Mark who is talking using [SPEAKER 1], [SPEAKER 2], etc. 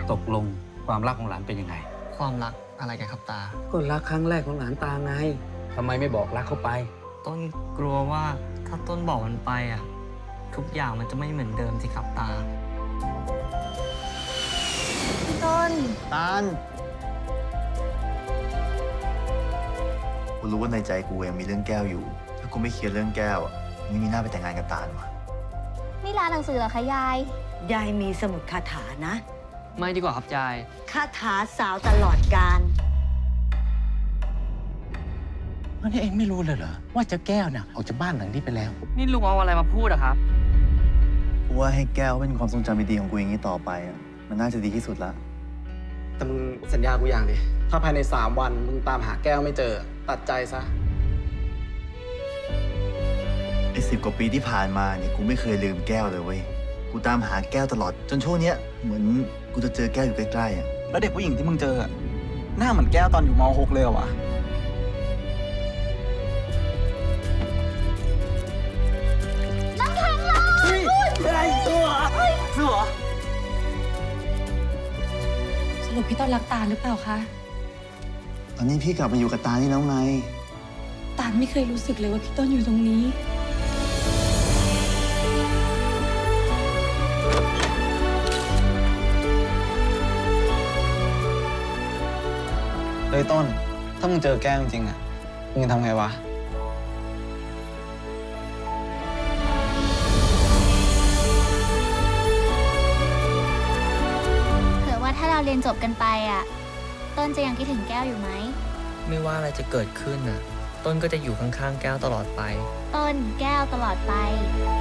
[SPEAKER 1] ตกลงความรักของหลานเป็นยังไง
[SPEAKER 2] ความรักอะไรกันครับตา
[SPEAKER 1] ก็รักครั้งแรกของหลานตาไงทำไมไม่บอกรักเขาไป
[SPEAKER 2] ต้นกลัวว่าถ้าต้นบอกมันไปอ่ะทุกอย่างมันจะไม่เหมือนเดิมสิครับตา
[SPEAKER 3] พี่ต้น
[SPEAKER 4] ตาลกูรู้ว่าในใจกูยังมีเรื่องแก้วอยู่ถ้ากูไม่เคลียร์เรื่องแก้วไม่มีหน้าไปแต่งงานกับตาลวะ
[SPEAKER 3] นี่ร้านหนังสือเหรอคะยาย
[SPEAKER 5] ยายมีสมุดคาถานะ
[SPEAKER 2] ไม่ดีกว่าครับยาย
[SPEAKER 5] คาถาสาวตลอดกาล
[SPEAKER 6] วันนี้เองไม่รู้เลยเหรอว่าเจ้าแก้วเนี่ยออกจากบ้านหลังนี้ไปแล้ว
[SPEAKER 2] นี่ลุงเอาอะไรมาพูดอะครับ
[SPEAKER 4] กูว่าให้แก้วเป็นความทรงจำดีๆของกูอย่างนี้ต่อไปอ่ะมันน่าจะดีที่สุดละ
[SPEAKER 7] แต่มึงสัญญากูอย่างดิถ้าภายใน3 วันมึงตามหาแก้วไม่เจอตัดใจซะ
[SPEAKER 4] ไอ้10 กว่าปีที่ผ่านมาเนี่ยกูไม่เคยลืมแก้วเลยเว้ยกูตามหาแก้วตลอดจนช่วงเนี้ยเหมือนกูจะเจอแก้วอยู่ใกล้ๆอ่ะ
[SPEAKER 7] แล้วเด็กผู้หญิงที่มึงเจอหน้าเหมือนแก้วตอนอยู่ม.6 เลยเหรอวะ
[SPEAKER 3] น้ำแข็งเหรอ
[SPEAKER 7] อะไรตัว
[SPEAKER 8] สรุปพี่ต้นรักตาลหรือเปล่าคะ
[SPEAKER 4] ตอนนี้พี่กลับมาอยู่กับตานี่แล้วไง
[SPEAKER 8] ตาลไม่เคยรู้สึกเลยว่าพี่ต้นอยู่ตรงนี้
[SPEAKER 7] เฮ้ยต้นถ้ามึงเจอแก้วจริงๆอ่ะมึงจะทำไงวะ
[SPEAKER 3] เผื่อว่าถ้าเราเรียนจบกันไปอ่ะต้นจะยังคิดถึงแก้วอยู่ไหม
[SPEAKER 2] ไม่ว่าอะไรจะเกิดขึ้นน่ะต้นก็จะอยู่ข้างๆแก้วตลอดไป
[SPEAKER 3] ต้นแก้วตลอดไป